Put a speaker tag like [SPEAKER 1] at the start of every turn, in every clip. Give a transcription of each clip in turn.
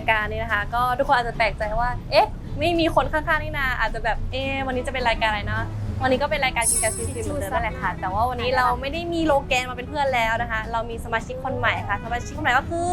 [SPEAKER 1] การนี้นะคะก็ทุกคนอาจจะแปลกใจว่าเอ๊ะไม่มีคนข้างๆนี่นาอาจจะแบบวันนี้จะเป็นรายการอะไรนะวันนี้ก็เป็นรายการกินกันซีซีเหมือนเดิมนั่นแหละค่ะแต่ว่าวันนี้เราไม่ได้มีโลแกนมาเป็นเพื่อนแล้วนะคะเรามีสมาชิกคนใหม่ค่ะสมาชิกคนใหม่ก็คือ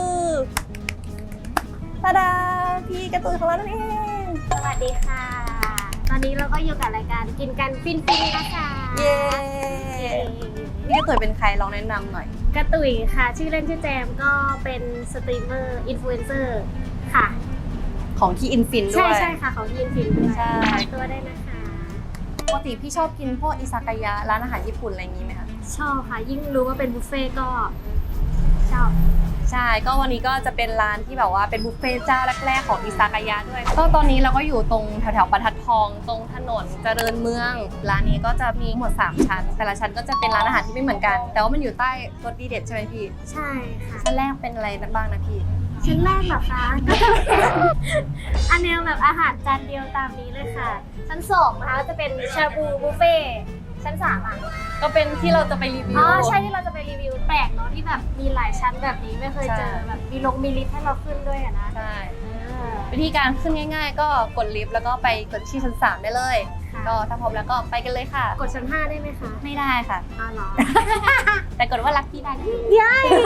[SPEAKER 1] ตาดาพี่การ์ตูนของเรานั่นเอง
[SPEAKER 2] สวัสดีค่ะตอนนี้เราก็อยู่กับรายการกินกันฟินนะคะ
[SPEAKER 1] เย้พี่การ์ตูนเป็นใครลองแนะนำหน่อย
[SPEAKER 2] กระตุยค่ะชื่อเล่นชื่อแจมก็เป็นสตรีมเมอร์อินฟลูเอนเซอร์ค่ะ
[SPEAKER 1] ของที่อินฟินด้วย
[SPEAKER 2] ใช่ค่ะของที่อินฟินด้วย
[SPEAKER 1] ใช่
[SPEAKER 2] ตัวได้นะคะ
[SPEAKER 1] ปกติพี่ชอบกินพวกอิซากายะร้านอาหารญี่ปุ่นอะไรอย่างนี้ไหมคะ
[SPEAKER 2] ชอบค่ะยิ่งรู้ว่าเป็นบุฟเฟ่ก็ชอบ
[SPEAKER 1] ใช่ก็วันนี้ก็จะเป็นร้านที่แบบว่าเป็นบุฟเฟ่เจ้าแรกๆของอิซากายะด้วยก็ตอนนี้เราก็อยู่ตรงแถวๆบรรทัดทองตรงถนนเจริญเมืองร้านนี้ก็จะมีหมด3ชั้นแต่ละชั้นก็จะเป็นร้านอาหารที่ไม่เหมือนกันแต่ว่ามันอยู่ใต้รสดีเด็ดใช่ไหมพี่
[SPEAKER 2] ใช่ค่ะ
[SPEAKER 1] ชั้นแรกเป็นอะไรบ้างนะพี่
[SPEAKER 2] ชั้นแรกเหรอคะอันแนวแบบอาหารจานเดียวตามนี้เลยค่ะชั้น2นะคะจะเป็นชาบูบุฟเฟ่ชั้น3อ่ะ
[SPEAKER 1] ก็เป็นที่เราจะไปรีวิว
[SPEAKER 2] ใช่ที่เราจะไปรีวิวแปลกเนาะที่แบบมีหลายชั้นแบบนี้ไม่เคยเจอแบบมีลิฟต์ให้เราขึ้นด้วยนะ
[SPEAKER 1] ใช่วิธีการขึ้นง่ายๆก็กดลิฟต์แล้วก็ไปกดที่ชั้น3ได้เลยก็ถ้าพร้อมแล้วก็ไปกันเลยค่ะ
[SPEAKER 2] กดชั้น5ได้ไหมคะ
[SPEAKER 1] ไม่ได้ค่ะ
[SPEAKER 2] เหรอ
[SPEAKER 1] แต่กดว่ารักพี่ได้
[SPEAKER 2] ย้าย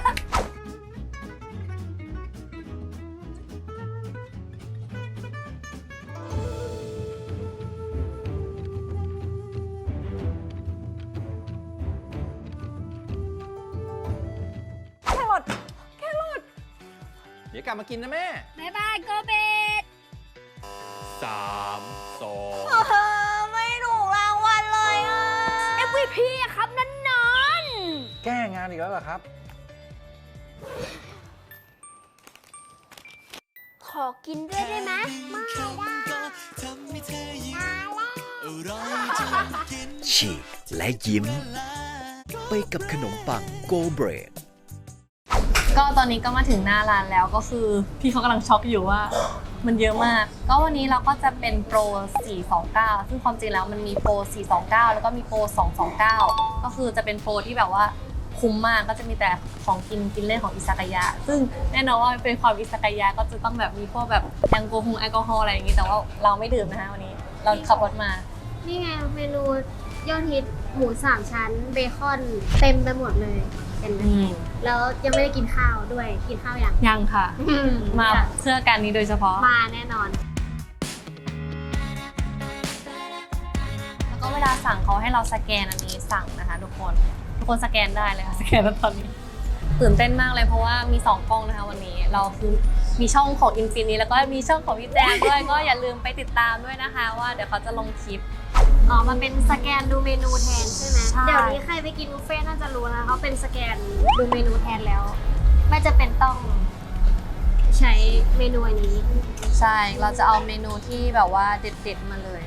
[SPEAKER 3] เดี๋ยวกลับมากินนะแม่
[SPEAKER 2] บ๊ายบายโกเบต
[SPEAKER 3] 3 2
[SPEAKER 2] ไม่ถูกรางวัลเลยอ่ะ MVP อะครับนั่นนอน
[SPEAKER 3] แก้งานอีกแล้วเหรอครับ
[SPEAKER 2] ขอกินด้วยได้ไหมไม่ได้
[SPEAKER 4] ฉีกและยิ้มไปกับขนมปังโกเบรด
[SPEAKER 1] ก็ตอนนี้ก็มาถึงหน้าร้านแล้วก็คือพี่เขากำลังช็อกอยู่ว่ามันเยอะมากก็วันนี้เราก็จะเป็นโปร429ซึ่งความจริงแล้วมันมีโปร429แล้วก็มีโปร229ก็คือจะเป็นโปรที่แบบว่าคุ้มมากก็จะมีแต่ของกินเล่นของอิซากายะซึ่งแน่นอนว่าเป็นความอิซากายะก็จะต้องแบบมีพวกแบบแอลกอฮอล์อะไรอย่างนี้แต่ว่าเราไม่ดื่มนะคะวันนี้เราขับรถมา
[SPEAKER 2] นี่ไงเมนูยอดฮิตหมู3ชั้นเบคอนเต็มไปหมดเลยเป็นไหมแล้วยังไม่ได้กินข้าวด้วยกินข้าว
[SPEAKER 1] ยังค่ะมาเพื่อการนี้โดยเฉพาะ
[SPEAKER 2] มาแน่นอน
[SPEAKER 1] แล้วก็เวลาสั่งเขาให้เราสแกนอันนี้สั่งนะคะทุกคนสแกนได้เลยค่ะสแกนแล้วตอนนี้ตื่นเต้นมากเลยเพราะว่ามี2กล้องนะคะวันนี้เราคือมีช่องของอินฟินิแล้วก็มีช่องของพี่แจงด้วยก็อย่าลืมไปติดตามด้วยนะคะว่าเดี๋ยวเขาจะลงคลิป
[SPEAKER 2] มันเป็นสแกนดูเมนูแทนใช่ไหมเดี๋ยวนี้ใครไปกินบุฟเฟ่น่าจะรู้นะเขาเป็นสแกนดูเมนูแทนแล้วไม่จะเป็นต้องใช้เมนูอันนี้
[SPEAKER 1] ใช่เราจะเอาเมนูที่แบบว่าเด็ดๆมาเลย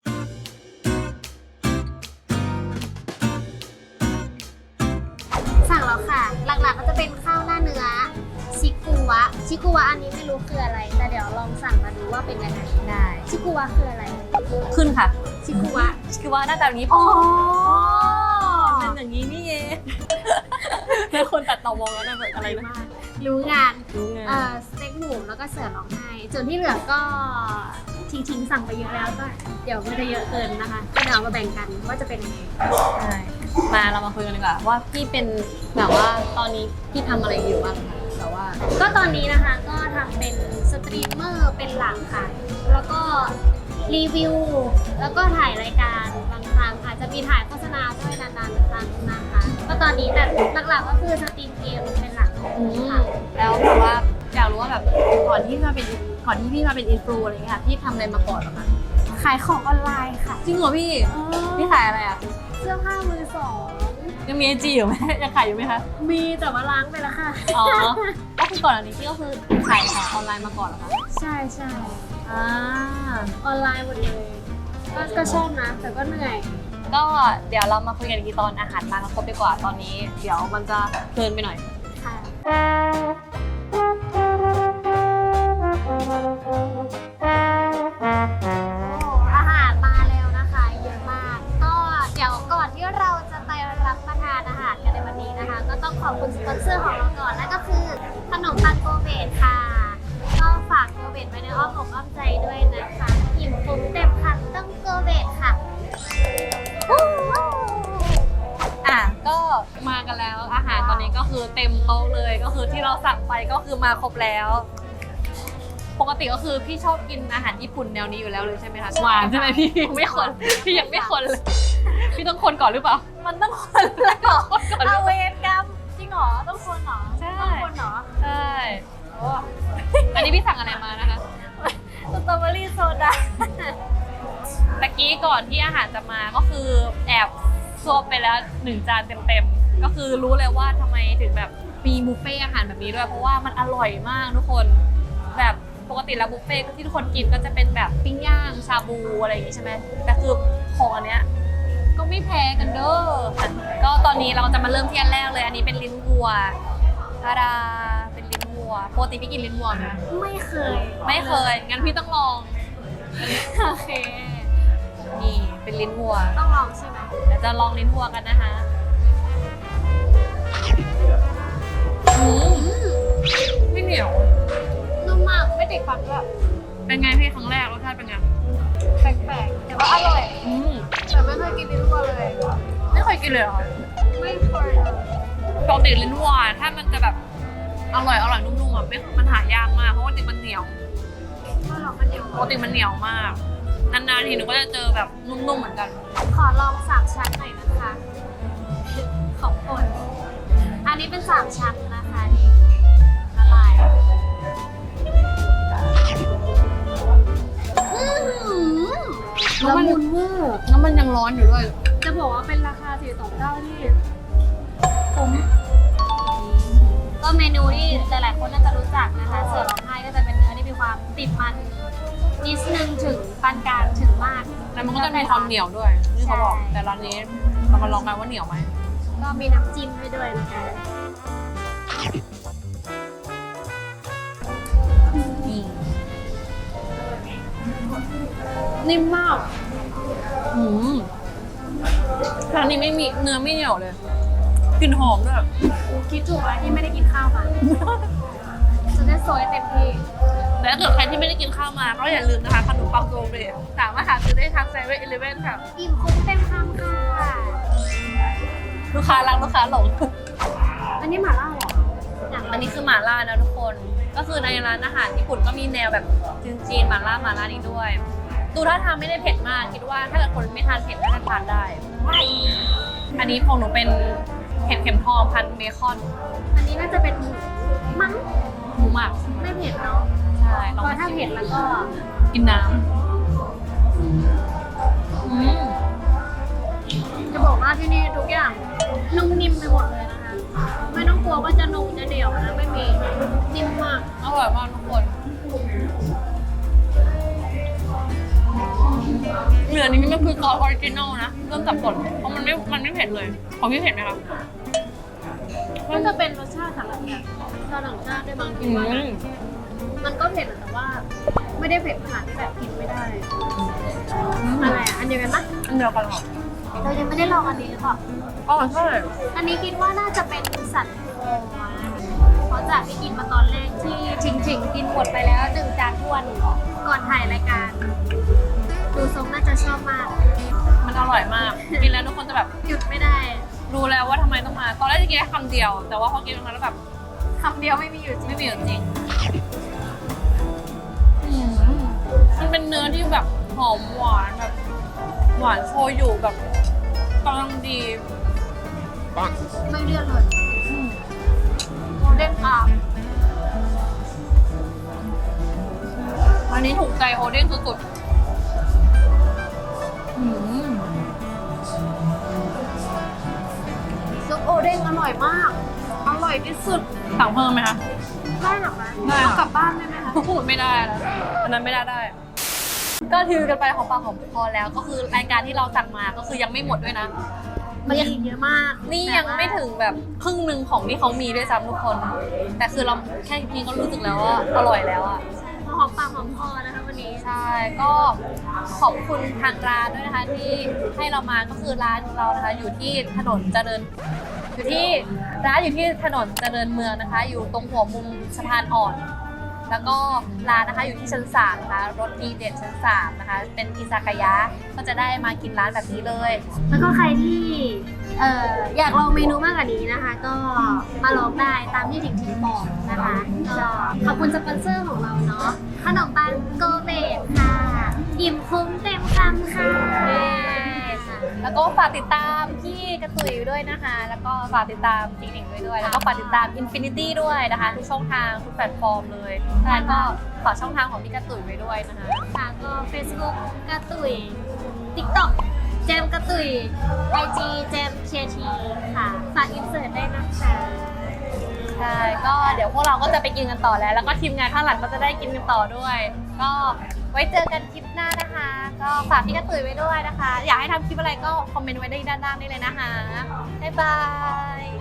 [SPEAKER 2] สั่งแล้วค่ะหลักๆก็จะเป็นข้าวหน้าเนื้อชิกุวะอันนี้ไม่รู้คืออะไรแต่เดี๋ยวลองสั่งมาดูว่าเป็นยังไง
[SPEAKER 1] ได้
[SPEAKER 2] ชิกุวะคืออะไร
[SPEAKER 1] ขึ้นค่ะ
[SPEAKER 2] ชิกุวะ
[SPEAKER 1] หน้าตาแบบนี้เป็นอย่างนี้นี่เองแล้วคนตัดต่อมองแล้วนะแบบอะไรนะ
[SPEAKER 2] รู้งานสเต็กหมูแล้วก็เสือร้องไห้ส่วนที่เหลือก็ทิ้งสั่งไปเยอะแล้วก็เดี๋ยวมันจะเยอะเกินนะคะก็เดี๋ยวมาแบ่งกันว่าจะเป็นยังไง
[SPEAKER 1] ใช่มาเรามาคุยกันดีกว่าว่าพี่เป็นแบบว่าตอนนี้พี่ทำอะไรอยู่บ้างคะแต่ว่า
[SPEAKER 2] ก็ตอนนี้นะคะก็ทำเป็นสตรีมเมอร์เป็นหลักค่ะแล้วก็รีวิวแล้วก็ถ่ายรายการบางครั้งอาจจะมีถ่ายโฆษณาด้วยนานๆครั้งนะคะก็ตอนนี้แต่หลักๆก็คือสตรีมเกมเป็นหลักค่ะ
[SPEAKER 1] แล้วแบบว่าอยากรู้ว่าแบบก่อนที่พี่มาเป็นอินฟลูอะไรเงี้ยพี่ทำอะไรมาก่อนหรอคะ
[SPEAKER 2] ขายของออนไลน์ค่ะ
[SPEAKER 1] จริงเหรอพี่ขายอะไรอ่ะ
[SPEAKER 2] เสื้อผ้ามือสอง
[SPEAKER 1] ยังมีIGอยู่ไหมยังขายอยู่ไหมคะ
[SPEAKER 2] มีแต่ว่าล้างไปแล้วค่ะ
[SPEAKER 1] ก็คือก่อนอันนี้พี่ก็คือขายของออนไลน์มาก่อนเหรอคะ
[SPEAKER 2] ใช่ออนไลน์หมดเลยก็ชอบนะแต่ก็เหนื่อย
[SPEAKER 1] ก็เดี๋ยวเรามาคุยกันอีกทีตอนอาหารมาครบดีกว่าตอนนี้เดี๋ยวมันจะเพลินไปหน่อย
[SPEAKER 2] ค่ะอาหารมาแล้วนะคะเยอะมากก็เดี๋ยวก่อนที่เราจะไปรับประทานอาหารกันในวันนี้นะคะก็ต้องขอบคุณสปอนเซอร์ของเราก่อนนั่นก็คือขนมปังโกเบตค่ะก็
[SPEAKER 1] เราสั่งไปก็คือมาครบแล้ว ปกติก็คือพี่ชอบกินอาหารญี่ปุ่นแนวนี้อยู่แล้วเลยใช่ไหมคะหวานใช่ไหมพี่ยังไม่คนพี่ยังไม่คนเลยพี่ต้องคนก่อนหรือเปล่ามันต้องคนแล้วก่อน
[SPEAKER 2] เอาเวรกรรมจริงเหรอต้องคนเหรอ
[SPEAKER 1] ใช่
[SPEAKER 2] ต้องคนเหรอ
[SPEAKER 1] ใช่อันนี้พี่สั่งอะไรมานะคะ
[SPEAKER 2] สตรอเบอรี่โซดา
[SPEAKER 1] ตะกี้ก่อนที่อาหารจะมาก็คือแอบซวบไปแล้ว1 จานเต็มๆก็คือรู้เลยว่าทำไมถึงแบบมีบุฟเฟ่อาหารแบบนี้ด้วยเพราะว่ามันอร่อยมากทุกคนแบบปกติแล้วบุฟเฟ่ที่ทุกคนกินก็จะเป็นแบบปิ้งย่างชาบูอะไรอย่างงี้ใช่ไหมแต่คือของอันเนี้ยก็ไม่แพ้กันเด้อก็ตอนนี้เราจะมาเริ่มที่อันแรกเลยอันนี้เป็นลิ้นวัวทาดาเป็นลิ้นวัวปกติพี่กินลิ้นวัวไหม
[SPEAKER 2] ไม่เคย
[SPEAKER 1] ไม่เคยงั้นพี่ต้องลอง
[SPEAKER 2] โอเค
[SPEAKER 1] นี่เป็นลิ้นวัว
[SPEAKER 2] ต้องลองใช่ไหม
[SPEAKER 1] เดี๋ยวจะลองลิ้นวัวกันนะคะไม่เหนียว
[SPEAKER 2] นุ่มมากไม่ติดฟันด้วย
[SPEAKER 1] เป็นไงพี่ครั้งแรกรสชาติเป็นไง
[SPEAKER 2] แปลกๆแต่ว่าอร่อย แต่ไม่เคยกินลิ้นวัวเลย
[SPEAKER 1] ไม่เคยกินเลยเหรอคะ
[SPEAKER 2] ไม่เคยเลย
[SPEAKER 1] ปกติลิ้นวัวถ้ามันจะแบบอร่อยนุ่มๆอ่ะไม่มันหายากมากเพราะว่าปกติมันเหนียว
[SPEAKER 2] ไม่หรอกมันเดียว
[SPEAKER 1] ปกติมันเหนียวมากนานๆทีหนูก็จะเจอแบบนุ่มๆเหมือนกัน
[SPEAKER 2] ขอลอง3 ชั้นหน่อยนะคะ ของโปรดอันนี้เป็น3 ชั้นนะคะนี่ละลายละมุนเวอร์
[SPEAKER 1] แล้วมันยังร้อนอยู่ด้วย
[SPEAKER 2] จะบอกว่าเป็นราคา429ที่คุ้มก็เมนูที่หลายๆคนน่าจะรู้จักนะคะเสือร้องไห้ก็จะเป็นเนื้อที่มีความติดมันนิดนึงถึงปานกลางถึงมาก
[SPEAKER 1] แต่มันก็จะมีความเหนียวด้วยที่เขาบอก
[SPEAKER 2] ใช่
[SPEAKER 1] แต่ร้านนี้เรามาลองกันว่าเหนียวไหม
[SPEAKER 2] ก็มีน้ำจิ้มให้ด้วยนะคะ
[SPEAKER 1] นี่นิ่มมากร้านนี้ไม่มีเนื้อไม่เหนียวเลยกลิ่นหอมด้วย
[SPEAKER 2] คิดถูกแล้วที่ไม่ได้กินข้าวมา จะได้โซยเต็มที่
[SPEAKER 1] แต่ถ้าเกิดใครที่ไม่ได้กินข้าวมาก็อย่าลืมนะคะขนมปังโกเบรสามารถหาซื้อได้ทางเซเว่นอีเลฟเว่นค่ะ
[SPEAKER 2] อิ่มคุ้มเต็มคำค่ะ
[SPEAKER 1] ลูกค้ารักลูกค้าหลง
[SPEAKER 2] อันนี้หม่าล่าเหรออยาก
[SPEAKER 1] อันนี้คือหม่าล่านะทุกคน ก็คือในร้านอาหารญี่ปุ่นก็มีแนวแบบจีนๆหม่าล่านี้ด้วย ดูท่าทางไม่ได้เผ็ดมาก คิดว่าถ้าเกิดคนไม่ทานเผ็ดน่าจะทานได้ อันนี้ของหนูเป็นเห็ดเข็มทองพันเบคอน
[SPEAKER 2] อันนี้น่าจะเป็นหมูมั้ง
[SPEAKER 1] หมูหมัก
[SPEAKER 2] ไม่เผ็ดเนาะ
[SPEAKER 1] ใช่ล
[SPEAKER 2] เพ
[SPEAKER 1] อง
[SPEAKER 2] ราะถ้าเผ็ดแล้วก็
[SPEAKER 1] กินน้ำ
[SPEAKER 2] จะบอกว่าที่นี่ทุกอย่างนุ่มนิ่มไปหมดเลยนะคะ ไม่ต้องกลัวว่าจะนุ่มจะเหนียวนะไม่มีนิ่มมาก
[SPEAKER 1] อร่อยมากทุกคน เหลือนี้มันคือซอสออริจินอลนะเริ่มสับสนเพราะมันไม่เผ็ดเลย ของพี่เผ็ดไหมคะ
[SPEAKER 2] มันจะเป็นรสชาติสำหรับแบบชาวต่างชาติด้วยบางทีว่านะมันก็เผ็ดแต่ว่า ไม่ได้เผ็ดขนาดที่แบบกินไม่ได้ อะไรอ่ะ อันเดียวกันปะ
[SPEAKER 1] อันเดียวกันเหรอ
[SPEAKER 2] เรายังไม่ได้ลองอันนี้หรือเปล่า
[SPEAKER 1] อ๋อใช่
[SPEAKER 2] อันนี้คิดว่าน่าจะเป็นสันคอเพราะจากที่กินมาตอนแรกที่ชิงกินหมดไปแล้ว1 จานท้วนก่อนถ่ายรายการ ดูทรงน่าจะชอบมาก
[SPEAKER 1] มันอร่อยมาก กินแล้วทุกคนจะแบบ
[SPEAKER 2] หยุดไม่ได้
[SPEAKER 1] รู้แล้วว่าทำไมต้องมา ตอนแรกจะกินแค่คำเดียว แต่ว่าพอกินตรงนั้นแล้วแบบ
[SPEAKER 2] คำเดียวไม่มีอยู่จริง
[SPEAKER 1] ไม่มีอยู่จริงมันเป็นเนื้อที่แบบหอมหวานแบบหวานโชยุแบบกำลังดี
[SPEAKER 2] ไม่เลื่อนเลยโมเด้นอาร์ม
[SPEAKER 1] วันนี้ถูกใจโอเด้งสุดๆ
[SPEAKER 2] ซุปโอเด้งอร่อยมาก อร่อยที่สุด
[SPEAKER 1] สั่งเพิ่มไหมคะ
[SPEAKER 2] ได้หรอคะ
[SPEAKER 1] ได้ค่ะ
[SPEAKER 2] เอากลับบ้านได้ไหมคะ
[SPEAKER 1] พูดไม่ได้แล้วอันนั้นไม่ได้ ก็ถือกันไปของปากของคอแล้วก็คือรายการที่เราสั่งมาก็คือยังไม่หมดด้วยนะ
[SPEAKER 2] มันยังอีกเยอะมาก
[SPEAKER 1] นี่ยังไม่ถึงแบบครึ่งหนึ่งของที่เขามีด้วยซ้ำทุกคน แต่คือเราแค่นี้ก็รู้สึกแล้วว่าอร่อยแล้วอ่ะ
[SPEAKER 2] หอมปากหอมคอนะคะวันนี้
[SPEAKER 1] ใช่ ก็ขอบคุณทางร้านด้วยนะคะที่ให้เรามาก็คือร้านเรานะคะอยู่ที่ถนนเจริญอยู่ที่ร้านอยู่ที่ถนนเจริญเมืองนะคะ อยู่ตรงหัวมุมสะพานอ่อน แล้วก็ร้านนะคะอยู่ที่ชั้น3นะคะรสดีเด็ดชั้น3นะคะเป็นอิซากายะก็จะได้มากินร้านแบบนี้เลย
[SPEAKER 2] แล้วก็ใครที่อยากลองเมนูมากกว่านี้นะคะ ก็มาลองได้ตามที่ถิงบอกนะคะก็ขอบคุณสปอนเซอร์ของเราเนาะขนมปังโกเบตค่ะอิ่มคุ้มเต็มคำค่ะ
[SPEAKER 1] แล้วก็ฝากติดตามพี่กระตุยด้วยนะคะ แล้วก็ฝากติดตามจิงหนิงด้วย แล้วก็ฝากติดตาม Infinity ด้วยนะคะทุกช่องทางทุกแพลตฟอร์มเลยแล้วก็ฝากช่องทางของพี่กระตุยไว้ด้วยนะคะ
[SPEAKER 2] ค่ะก็ Facebook กระตุย TikTok เจมกระตุย IG เจมเคทีค่ะฝากอินเสิร์ตได้นะคะ
[SPEAKER 1] ใช่ก็เดี๋ยวพวกเราก็จะไปกินกันต่อแล้วก็ทีมงานข้างหลังก็จะได้กินกันต่อด้วย ก็ไว้เจอกันคลิปหน้านะคะ ก็ฝากพี่กระตุยไว้ด้วยนะคะ อยากให้ทำคลิปอะไรก็คอมเมนต์ไว้ได้ด้านล่างนี่เลยนะคะบ๊ายบาย